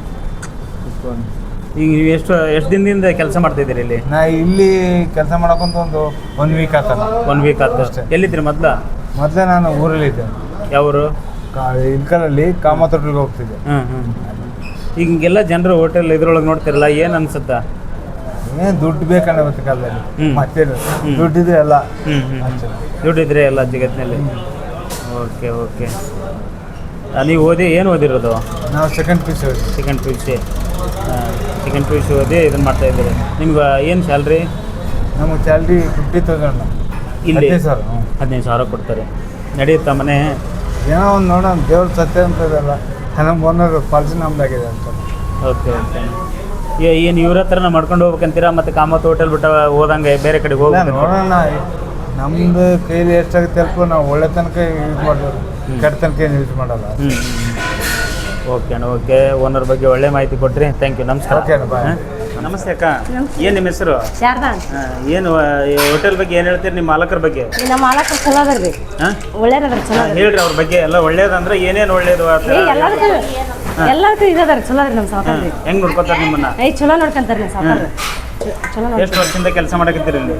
ಈಗ ನೀವು ಎಷ್ಟು ಎಷ್ಟು ದಿನದಿಂದ ಕೆಲಸ ಮಾಡ್ತಿದ್ದೀರಿ ಇಲ್ಲಿ?
ನಾ ಇಲ್ಲಿ ಕೆಲಸ ಮಾಡೋಕ್ಕಂತ ಒಂದು ಒನ್ ವೀಕ್ ಆತಲ್ಲ.
ಒನ್ ವೀಕ್ ಆಯ್ತು
ಅಷ್ಟೇ.
ಎಲ್ಲಿದ್ರಿ ಮೊದಲ?
ಮೊದಲೇ ನಾನು ಊರಲ್ಲಿ ಇದ್ದೆ,
ಯಾವರು?
ಕಾ ಇಲ್ಕಲಲ್ಲಿ ಕಾಮತೊಟ್ಟಿಗೆ ಹೋಗ್ತಿದ್ದೆ.
ಹ್ಞೂ ಹ್ಞೂ ಈಗ ಹಿಂಗೆಲ್ಲ ಜನರು ಹೋಟೆಲ್ ಇದ್ರೊಳಗೆ ನೋಡ್ತಿರಲ್ಲ, ಏನು ಅನ್ಸುತ್ತಾ?
ಏನು ದುಡ್ಡು ಬೇಕಣ್ಣ ಇವತ್ತು ಕಾಲದಲ್ಲಿ,
ಹ್ಮ್.
ಮತ್ತೇನು
ಹ್ಮ್.
ದುಡ್ಡಿದ್ರೆ ಎಲ್ಲ
ಹ್ಞೂ ಹ್ಞೂ
ಅಷ್ಟೇ.
ದುಡ್ಡಿದ್ರೆ ಎಲ್ಲ ಜಗತ್ತಿನಲ್ಲಿ. Okay okay. ನೀವು ಓದಿ ಏನು ಓದಿರೋದು?
ನಾವು ಸೆಕೆಂಡ್ ಪೀಸ್
second P U C. Second P U C ಓದಿ ಇದನ್ನು ಮಾಡ್ತಾ ಇದ್ದೀರಿ. ನಿಮ್ಗೆ ಏನು ಸ್ಯಾಲ್ರಿ?
ನಮಗೆ ಸ್ಯಾಲ್ರಿ ಫಿಫ್ಟಿ ತೌಸಂಡ್
ಇಲ್ಲಿ
ಹದಿನೈದು ಸಾವಿರ. ಹ್ಞೂ.
ಹದಿನೈದು ಸಾವಿರ ಕೊಡ್ತಾರೆ. ನಡೆಯುತ್ತಾ ಮನೆ?
ಏನೋ ಒಂದು ನೋಡೋಣ, ದೇವ್ರ ಸತ್ಯ ಅಂತ ಇದೆಲ್ಲ ನಮ್ಮ ಓನರ್ ಪಾಲಿಸಿ ನಮ್ದಾಗಿದೆ ಅಂತ.
Okay okay. ಏನು ಇವ್ರ ಹತ್ರನ ಮಾಡ್ಕೊಂಡು ಹೋಗ್ಬೇಕಂತೀರಾ? ಮತ್ತು ಕಾಮತ್ ಹೋಟೆಲ್ ಬಿಟ್ಟು ಹೋದಂಗೆ ಬೇರೆ ಕಡೆಗೆ
ಇಲ್ಲ,
ಹೋಗ್ಬೇಕು?
ನೋಡೋಣ, ನಮ್ದು ಕೈಲಿ ಎಷ್ಟಾಗುತ್ತೆ ಹೆಲ್ಪ್ ನಾವು ಒಳ್ಳೆ ತನಕ ಯೂಸ್ ಮಾಡೋದು, ಕೆಟ್ಟ ತನಕ ಏನು ಯೂಸ್ ಮಾಡಲ್ಲ.
ಹ್ಞೂ ಓಕೆ ಅಣ್ಣ ಓಕೆ. ಓನರ್ ಬಗ್ಗೆ ಒಳ್ಳೆ ಮಾಹಿತಿ ಕೊಟ್ರಿ, ಥ್ಯಾಂಕ್ ಯು. ನಮಸ್ಕಾರ.
ಓಕೆ ಅಣ್ಣ, ಬಾಯ್.
ಹಾಂ? ನಮಸ್ತೆ ಅಕ್ಕ. ಏನು ನಿಮ್ಮ ಹೆಸರು?
ಶಾರದಾ
ಹಾಂ, ಏನು ಹೋಟೆಲ್ ಬಗ್ಗೆ ಏನು ಹೇಳ್ತೀರಿ? ನಿಮ್ಮ ಮಾಲಕರ ಬಗ್ಗೆ?
ನಮ್ಮ ಮಾಲಕ ಚಲೋ ಅದರ್ರಿ,
ಹಾಂ
ಒಳ್ಳೇದದ್ರ ಚಲೋ ಅದ್ರಿ.
ಹೇಳ್ರಿ ಅವ್ರ ಬಗ್ಗೆ ಎಲ್ಲ ಒಳ್ಳೇದಂದ್ರೆ ಏನೇನು ಒಳ್ಳೇದು ಆ ಥರ?
ಏ ಎಲ್ಲದಕ್ಕೂ ಎಲ್ಲದಕ್ಕೂ ಇದದಾರ ಚಲೋ ಅದ್ರಿ ನಮ್ಮ ಸಾವುಕಾರ ರೀ.
ಹೆಂಗೆ ನೋಡ್ಕೊತಾರೆ ನಿಮ್ಮನ್ನ?
ಏ ಚಲೋ ನೋಡ್ಕೊಂತಾರ ನಿಮ್ಮ ಸಾವುಕಾರ ಚಲೋ ನೋಡಿ.
ಎಷ್ಟು ವರ್ಷದಿಂದ ಕೆಲಸ ಮಾಡಕತ್ತೀರಿ ಇಲ್ಲಿ?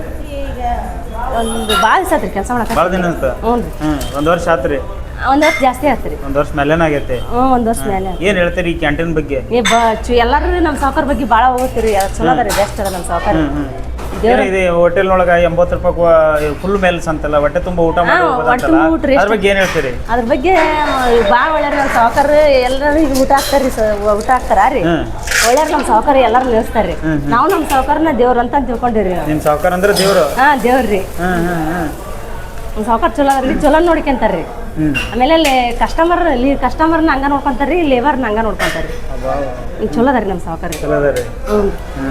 ಒಂದು ಭಾಳ ದಿವಸ ಆತ್ರಿ ಕೆಲಸ ಮಾಡಕ.
ಭಾಳ ದಿನ ಅಂತ?
ಹ್ಞೂ ರೀ,
ಹ್ಞೂ ಒಂದು ವರ್ಷ ಆತು ರೀ?
ಒಂದು ವರ್ಷ ಜಾಸ್ತಿ ಆತ್ರಿ.
ಒಂದು ವರ್ಷ ಮೇಲೇನ ಆಗೈತೆ?
ಹ್ಞೂ ಒಂದು ವರ್ಷ ಮೇಲೆ.
ಏನು ಹೇಳ್ತೀರಿ ಈ ಕ್ಯಾಂಟೀನ್ ಬಗ್ಗೆ?
ಏ ಬ ಚು ಎಲ್ಲರೂ ನಮ್ಮ ಸಾವುಕಾರ ಬಗ್ಗೆ ಭಾಳ ಹೋಗ್ತೀರಿ, ಚಲೋ ಅದ ರೀ, ಬೆಸ್ಟ್ ಅದ ನಮ್ಮ ಸಾವುಕಾರ.
ಹ್ಞೂ ಹ್ಞೂ ಇದೆ ಹೋಟೆಲ್ನೊಳಗೆ ಎಂಬತ್ತು ರೂಪಾಯಿ ಫುಲ್ ಮೇಲ್ಸ್ ಅಂತಲ್ಲ, ಹೊಟ್ಟೆ ತುಂಬ ಊಟ ಮಾಡಿ
ಹಾ,
ಹೋಗೋದಂತಲ್ಲ,
ಹೊಟ್ಟೆ ತುಂಬ ಊಟ ರೀ.
ಅದ್ರ ಬಗ್ಗೆ ಏನು ಹೇಳ್ತೀರಿ?
ಅದ್ರ ಬಗ್ಗೆ ಭಾಳ ಒಳ್ಳೆಯವ್ರು ನಮ್ಮ ಸಾವುಕಾರ, ಎಲ್ಲರೂ ಈಗ ಊಟ ಹಾಕ್ತಾರ್ರಿ, ಸ ಊಟ ಹಾಕ್ತಾರ ರೀ.
ಹ್ಞೂ
ಒಳ್ಳೆಯವ್ರು ನಮ್ಮ ಸಾವುಕಾರ ಎಲ್ಲರೂ ನಿಲ್ಲಿಸ್ತಾರೆ ರೀ.
ಹ್ಮ್, ಹ್ಮ್.
ನಾವು ನಮ್ಮ ಸಾವುಕಾರನ ದೇವ್ರು ಅಂತ ತಿಳ್ಕೊಂಡಿರಿ ನಾವು.
ನಿಮ್ಮ ಸಾವುಕಾರ ಅಂದ್ರೆ ದೇವರು?
ಹಾಂ ದೇವ್ರಿ,
ಹ್ಞೂ ಹ್ಞೂ ಹ್ಞೂ
ನಮ್ಮ ಸಾವುಕಾರ ಚಲೋ ಅದ್ರಿ, ಚಲೋ ನೋಡ್ಕೊಂತಾರೆ ರೀ.
ಹ್ಞೂ
ಆಮೇಲೆ ಅಲ್ಲಿ ಕಸ್ಟಮರ್ ಇಲ್ಲಿ ಕಸ್ಟಮರ್ನ ಹಂಗ ನೋಡ್ಕೊಂತಾರೆ ರೀ, ಲೇಬರ್ನ ಹಂಗ ನೋಡ್ಕೊಂತಾರೆ ರೀ. ಈಗ ಚಲೋ ಅದ ರೀ ನಮ್ಮ ಸಾವುಕಾರ.
ಚಲೋ ಅದ ರೀ.
ಹ್ಞೂ
ಹ್ಞೂ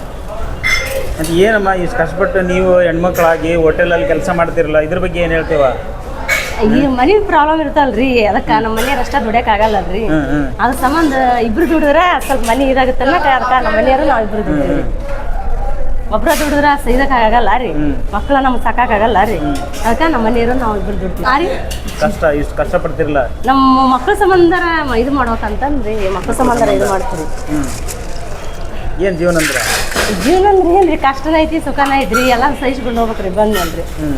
ಮತ್ತು ಏನಮ್ಮ ಇಷ್ಟು ಕಷ್ಟಪಟ್ಟು ನೀವು ಹೆಣ್ಮಕ್ಳಾಗಿ ಹೋಟೆಲಲ್ಲಿ ಕೆಲಸ ಮಾಡ್ತಿರಲ್ಲ, ಇದ್ರ ಬಗ್ಗೆ ಏನು ಹೇಳ್ತೀವ?
ಈ ಮನೆ ಪ್ರಾಬ್ಲಮ್ ಇರ್ತಲ್ರಿ, ಅದಕ್ಕೆ ನಮ್ಮ ಮನೆಯವ್ರು ಅಷ್ಟ ದುಡಿಯಕ್ಕೆ ಆಗಲ್ಲಲ್ರಿ.
ಹ್ಞೂ ಹ್ಞೂ
ಅದ್ರ ಸಂಬಂಧ ಇಬ್ರು ದುಡಿದ್ರೆ ಸ್ವಲ್ಪ ಮನೆ ಇದಾಗುತ್ತೆ ಅನ್ನಕ್ಕೆ, ಅದಕ್ಕೆ ನಮ್ಮ ಮನೆಯವರು ನಾವು ಇಬ್ರು ದುಡಿದ್ವಿ. ಒಬ್ರ ದುಡಿದ್ರೆ ಇದಕ್ಕೆ ಆಗಲ್ಲ ರೀ, ಮಕ್ಕಳ ನಮ್ಗೆ ಸಾಕಾಗಲ್ಲ ರೀ, ಅದಕ್ಕೆ ನಮ್ಮ ಮನೆಯವರು ನಾವು ಇಬ್ರು ದುಡ್ತೀವಿ. ಆ ರೀ
ಕಷ್ಟ ಇಷ್ಟು ಕಷ್ಟಪಡ್ತಿರಲ್ಲ,
ನಮ್ಮ ಮಕ್ಕಳ ಸಂಬಂಧ ಇದು ಮಾಡ್ಬೇಕಂತಂದ್ರಿ, ಮಕ್ಕಳ ಸಂಬಂಧ ಇದು ಮಾಡ್ತೀವಿ.
ಹ್ಞೂ ಏನು ಜೀವನ ಅಂದ್ರೆ?
ಜೀವನ ಅಂದ್ರೆ ಏನ್ರಿ, ಕಷ್ಟನ ಐತಿ ಸುಖನ ಐತ್ರಿ, ಎಲ್ಲ ಸಹಿಸ್ಕೊಂಡು ಹೋಗ್ಬೇಕ್ರಿ ಬಂದ್ಮೇಲೆ.
ಹ್ಞೂ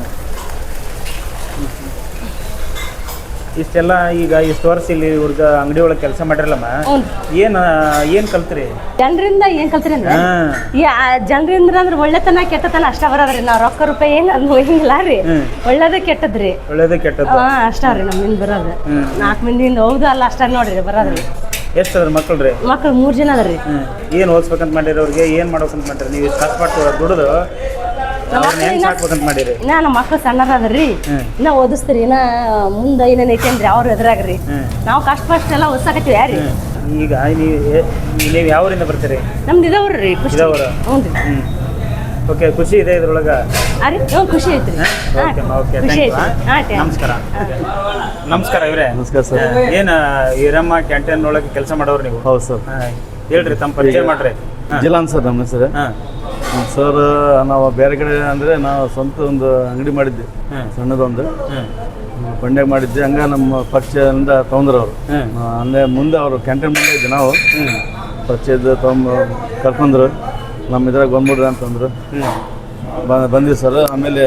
ಇಷ್ಟೆಲ್ಲ ಈಗ ಇಷ್ಟು ವರ್ಷ ಇಲ್ಲಿ ಇವ್ರಿಗೆ ಅಂಗಡಿ ಒಳಗೆ ಕೆಲಸ ಮಾಡಿರಲ್ಲಮ್ಮ,
ಹ್ಞೂ
ಏನು ಏನು ಕಲ್ತ್ರಿ?
ಜನರಿಂದ ಏನ್ ಕಲ್ತ್ರಿ ಅಂದ್ರೆ,
ಹಾಂ
ಈ ಜನರಿಂದ ಅಂದ್ರೆ ಒಳ್ಳೆತನ ಕೆಟ್ಟತನ ಅಷ್ಟ ಬರೋದ್ರಿ. ನಾವ್ ರೊಕ್ಕ ರೂಪಾಯಿ ಏನ್ ಅದು ಹಿಂಗಿಲ್ಲ ರೀ,
ಹ್ಮ್.
ಒಳ್ಳೇದ ಕೆಟ್ಟದ್ರಿ.
ಒಳ್ಳೇದು ಕೆಟ್ಟದ್ದು.
ಹಾ ಅಷ್ಟಾವ್ರಿ ನಮ್ಮಿಂದ ಬರೋದು.
ಹ್ಮ್.
ನಾಲ್ಕು ಮಂದಿಯಿಂದ ಹೌದು ಅಲ್ಲ ಅಷ್ಟ ನೋಡ್ರಿ ಬರೋದ್ರಿ.
ಎಷ್ಟು ಅದ್ರ ಮಕ್ಕಳು ರೀ?
ಮಕ್ಳು ಮೂರ್ ಜನ ಅದ್ರಿ.
ಹ್ಞೂ ಏನು ಓದಿಸ್ಬೇಕಂತ ಮಾಡಿರಿ ಅವ್ರಿಗೆ? ಏನು ಮಾಡ್ಬೇಕಂತ ಮಾಡಿರಿ? ನೀವು ಇಷ್ಟು ಕಷ್ಟಪಟ್ಟು ದುಡಿದು ಅವ್ರನ್ನ ಹೆಂಗೆ ಸಾಕ್ಬೇಕಂತ ಮಾಡಿರಿ?
ಇನ್ನ ನಮ್ಮ ಮಕ್ಳು ಸಣ್ಣರ ಅದ್ರಿ,
ಹ್ಮ್.
ಇನ್ನ ಓದಿಸ್ತೀರಿ, ಇನ್ನ ಮುಂದೆ ಏನೇನ್ ಐತಿ ಅಂದ್ರಿ ಅವ್ರ ಎದುರಾಗ್ರಿ.
ಹ್ಮ್.
ನಾವು ಕಷ್ಟ ಪಷ್ಟ ಎಲ್ಲ ಓದ್ಸಾಕತ್ತೀವಿ ಯಾರಿ.
ಹ್ಞೂ ಈಗ ನೀವು ನೀವು ಯಾವೂರಿಂದ ಬರ್ತೀರಿ?
ನಮ್ದು ಇದಾವ್ರಿ ಖುಷಿ.
ಇದಾವ್ರ?
ಹ್ಞೂ ರೀ.
ಹ್ಞೂ ಓಕೆ ಖುಷಿ ಇದೆ ಇದ್ರೊಳಗೆ.
ಅರಿ ಹ್ಞೂ ಖುಷಿ ಐತ್ರಿ ಹಾಂ
ಓಕೆ ಓಕೆ
ಖುಷಿ
ಥ್ಯಾಂಕ್ ಯು
ಐತ್ರಿ ಹಾಂ
ನಮಸ್ಕಾರ. ನಮಸ್ಕಾರ ಇವರೇ.
ನಮಸ್ಕಾರ ಸರ್.
ಏನು ಈರಮ್ಮ ಕ್ಯಾಂಟೀನ್ ಒಳಗೆ ಕೆಲಸ ಮಾಡೋರು ನೀವು?
ಹೌದು ಸರ್.
ಹಾಂ ಹೇಳ್ರಿ ತಮ್ಮ ಪರಿಚಯ ಮಾಡ್ರಿ.
ಜಿಲ್ಲಾನ್ ಸರ್ ನಮ್ಮ ಹೆಸರು.
ಹಾಂ
ಸರ್ ನಾವು ಬೇರೆ ಕಡೆ ಅಂದರೆ ನಾವು ಸ್ವಂತ ಒಂದು ಅಂಗಡಿ ಮಾಡಿದ್ದೆ,
ಹ್ಮ್.
ಸಣ್ಣದೊಂದು
ಹ್ಞೂ
ಬಂಡೆಗೆ ಮಾಡಿದ್ದೆ. ಹಂಗೆ ನಮ್ಮ ಪರಿಚಯದಿಂದ ತೊಗೊಂಡ್ರು ಅವರು.
ಹ್ಮ್.
ಅಂದರೆ ಮುಂದೆ ಅವರು ಕ್ಯಾಂಟೀನ್ ಮುಂದೆ ಇದ್ದೆ ನಾವು
ಹ್ಞೂ
ಪರಿಚಯದ ತೊಗೊಂಬ ಕರ್ಕೊಂಡ್ರು, ನಮ್ಮ ಇದ್ರಾಗ ಬಂದ್ಬಿಡ್ರಿ ಅಂತಂದ್ರು.
ಹ್ಞೂ
ಬ ಬಂದ್ವಿ ಸರ್. ಆಮೇಲೆ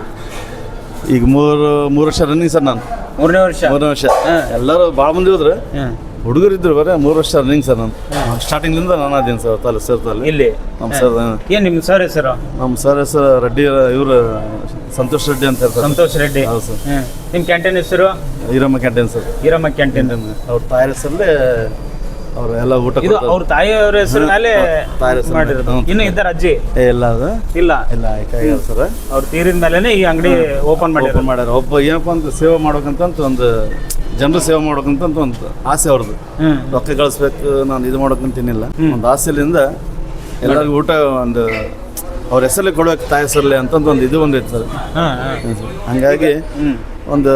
ಈಗ ಮೂರು ಮೂರು ವರ್ಷ ರನ್ನಿಂಗ್ ಸರ್. ನಾನು
ಮೂರನೇ ವರ್ಷ.
ಮೂರನೇ ವರ್ಷ. ಎಲ್ಲರೂ ಭಾಳ ಮಂದಿ ಹೋದ್ರು,
ಹ್ಞೂ
ಹುಡುಗರು ಇದ್ರು ಬರೀ ಮೂರು ವರ್ಷ ರನ್ನಿಂಗ್ ಸರ್. ನಾನು ಸ್ಟಾರ್ಟಿಂಗ್ಲಿಂದ ನಾನು ಅದೇನು ಸರ್ ತಾಲೂ ಸರ್ ತಾಲಿ
ಇಲ್ಲಿ
ನಮ್ಮ ಸರ್
ಏನು ನಿಮ್ಮ ಸರ್ ಹೆಸರು?
ನಮ್ಮ ಸರ್ ಹೆಸರು ರೆಡ್ಡಿ, ಇವರು ಸಂತೋಷ್ ರೆಡ್ಡಿ ಅಂತ ಹೇಳ್ತಾರೆ.
ಸಂತೋಷ್ ರೆಡ್ಡಿ.
ಹೌದು ಸರ್.
ಹ್ಞೂ ನಿಮ್ಮ ಕ್ಯಾಂಟೀನ್ ಹೆಸರು?
Iramma canteen sir.
Iramma canteen.
ಅವ್ರ ತಾಯಿ ಹೆಸರಲ್ಲೇ ಅವರು ಎಲ್ಲ ಊಟ
ಇದು ಅವ್ರ ತಾಯಿಯವರ ಹೆಸರು ಮೇಲೆ
ತಾಯಿ ಹೆಸರು
ಮಾಡಿರೋದು.
ಹ್ಞೂ.
ಇನ್ನು ಇದ್ದಾರೆ ಅಜ್ಜಿ?
ಏ ಇಲ್ಲ ಅದು
ಇಲ್ಲ
ಇಲ್ಲ ಕೈ ಸರ್.
ಅವ್ರ ತೀರಿದ ಮೇಲೆನೆ ಈ ಅಂಗಡಿ ಓಪನ್ ಮಾಡಿರೋದು.
ಓಪನ್ ಮಾಡ್ಯಾರ. ಒಬ್ಬ ಏನಪ್ಪ ಅಂತ ಸೇವೆ ಮಾಡ್ಬೇಕಂತ ಒಂದು ಜನರು ಸೇವೆ ಮಾಡ್ಬೇಕಂತ ಒಂದು ಆಸೆ ಅವ್ರದ್ದು.
ಹ್ಮ್
ರೊಕ್ಕ ಗಳಿಸ್ಬೇಕು, ನಾನು ಇದು ಮಾಡ್ಬೇಕಂತೇನಿಲ್ಲ. ಒಂದು ಆಸೆಲಿಂದ ಎಲ್ಲರಿಗೂ ಊಟ ಒಂದು ಅವ್ರ ಹೆಸರಲ್ಲೇ ಕೊಡ್ಬೇಕು, ತಾಯಿ ಹೆಸರಲ್ಲೇ ಅಂತಂದು ಒಂದು ಇದು ಬಂದೈತೆ ಸರ್.
ಹಾಂ ಹಾಂ
ಹಂಗಾಗಿ ಒಂದು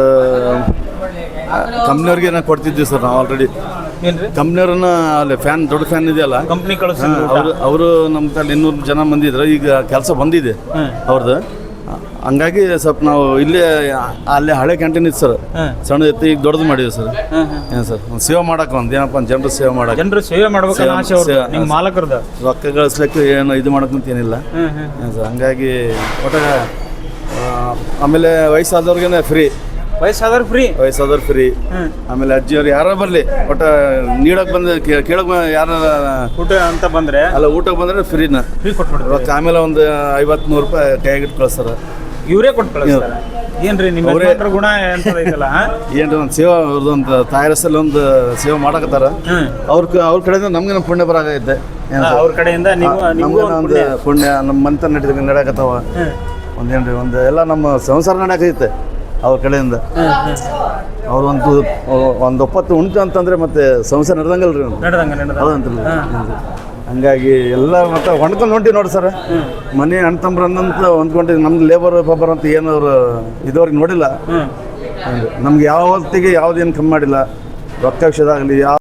ಕಂಪ್ನಿಯವ್ರಿಗೆ ನಾವು ಕೊಡ್ತಿದ್ವಿ ಸರ್. ನಾವು ಆಲ್ರೆಡಿ
ಏನ್ರಿ
ಕಂಪ್ನಿಯವ್ರನ್ನ ಅಲ್ಲಿ ಫ್ಯಾನ್ ದೊಡ್ಡ ಫ್ಯಾನ್ ಇದೆಯಲ್ಲ,
ಕಂಪ್ನಿ ಕಳಿಸಿದ್ರು
ಅವರು ಅವರು ನಮ್ಮ ತಲೆ ಇನ್ನೂರು ಜನ ಮಂದಿ ಇದ್ರು. ಈಗ ಕೆಲಸ ಬಂದಿದೆ ಅವ್ರದ್ದು. ಹಂಗಾಗಿ ಸ್ವಲ್ಪ ನಾವು ಇಲ್ಲೇ ಅಲ್ಲೇ ಹಳೆ ಕ್ಯಾಂಟೀನ್ ಇತ್ತು ಸರ್, ಸಣ್ಣ ಇತ್ತು. ಈಗ ದೊಡ್ಡದು ಮಾಡಿದ್ವಿ ಸರ್. ಏನು ಸರ್ ಒಂದು ಸೇವೆ ಮಾಡಕ್ಕೆ, ಒಂದು ಏನಪ್ಪ ಒಂದು ಜನರು ಸೇವೆ ಮಾಡಕ್ಕೆ,
ಜನರು ಸೇವೆ ಮಾಡ್ಬೇಕು ಅನ್ನೋ ಆಸೆ ಅವ್ರದ್ದು, ನಿಮ್ಮ ಮಾಲಕರದ್ದು.
ರೊಕ್ಕ ಗಳಿಸ್ಲಿಕ್ಕೆ ಏನು ಇದು ಮಾಡಕ್ಕಂತ ಏನಿಲ್ಲ. ಏನು ಸರ್ ಹಂಗಾಗಿ ಒಟ್ಟ ಆಮೇಲೆ ವಯಸ್ಸಾದವ್ರಿಗೇನೆ ಫ್ರೀ,
ವಯಸ್ಸಾದವ್ರು ಫ್ರೀ,
ವಯಸ್ಸಾದವ್ರು ಫ್ರೀ. ಆಮೇಲೆ ಅಜ್ಜಿಯವ್ರು ಯಾರು ಬರಲಿ ಒಟ್ಟು ನೀಡಕ್ಕೆ ಬಂದು ಕೇಳಕ್ಕೆ ಯಾರು
ಊಟ ಅಂತ ಬಂದ್ರೆ
ಅಲ್ಲ ಊಟಕ್ಕೆ ಬಂದರೆ ಫ್ರೀನ
ಫ್ರೀ ಕೊಟ್ಬಿಡ್ತಾರೆ.
ರೊಕ್ಕ ಆಮೇಲೆ ಒಂದು ಐವತ್ತು ನೂರು ರೂಪಾಯಿ ಕೈಯಾಗಿಟ್ಟು ಕಳಿಸ್ತಾರೆ.
ಇವರೇ ಕೊಟ್ಟು ಕಳಿಸ್ತಾರೆ. ಏನ್ರಿ ನಿಮ್ಮ ಯಜಮಾನ್ರ ಗುಣ ಅಂತ ಐತಲ್ಲ?
ಏನು ಒಂದು ಸೇವೆ ಅವ್ರದ್ದು ಒಂದು ತಾಯಿ ಹೆಸರಲ್ಲಿ ಒಂದು ಸೇವೆ ಮಾಡಕತ್ತಾರ. ಅವ್ರ ಅವ್ರ ಕಡೆಯಿಂದ ನಮ್ಗೆ ನಮ್ಮ ಪುಣ್ಯ ಬರಾಗೈತೆ.
ಅವ್ರ ಕಡೆಯಿಂದ ನೀವು
ನಮ್ಗೆ ಒಂದು ಪುಣ್ಯ ನಮ್ಮ ಮಂತ ನಡೀತ ನಡ್ಯಾಕತ್ತಾವ. ಒಂದೇನ್ರಿ ಒಂದು ಎಲ್ಲ ನಮ್ಮ ಸಂಸಾರ ನಡ್ಯಾಕೈತೆ ಅವ್ರ ಕಡೆಯಿಂದ. ಅವ್ರು ಒಂದು ಒಂದು ಒಪ್ಪತ್ತು ಉಂಟು ಅಂತಂದ್ರೆ ಮತ್ತೆ ಸಂಸಾರ ನಡೆದಂಗಲ್ರಿ
ನಡೆದಂಗ ನಡೆದ
ಹೌದಂತಲ್ಲ. ಹಂಗಾಗಿ ಎಲ್ಲ ಮತ್ತೆ ಹೊಂದ್ಕೊಂಡು ಹೊಂಟಿ ನೋಡಿ ಸರ್. ಮನೆ ಅಣ್ಣ ತಮ್ಮರನ್ನಂತ ಹೊಂದ್ಕೊಂಡಿದ್ದು ನಮ್ದು ಲೇಬರ್ ಪಬ್ಬರ್ ಅಂತ ಏನು ಅವರು ಇದುವರೆಗೆ ನೋಡಿಲ್ಲ. ನಮ್ಗೆ ಯಾವ ಹೊತ್ತಿಗೆ ಯಾವುದೇನು ಕಮ್ಮಿ ಮಾಡಿಲ್ಲ. ರೊಕ್ಕ ವಿಷಯದಾಗಲಿ ಯಾವ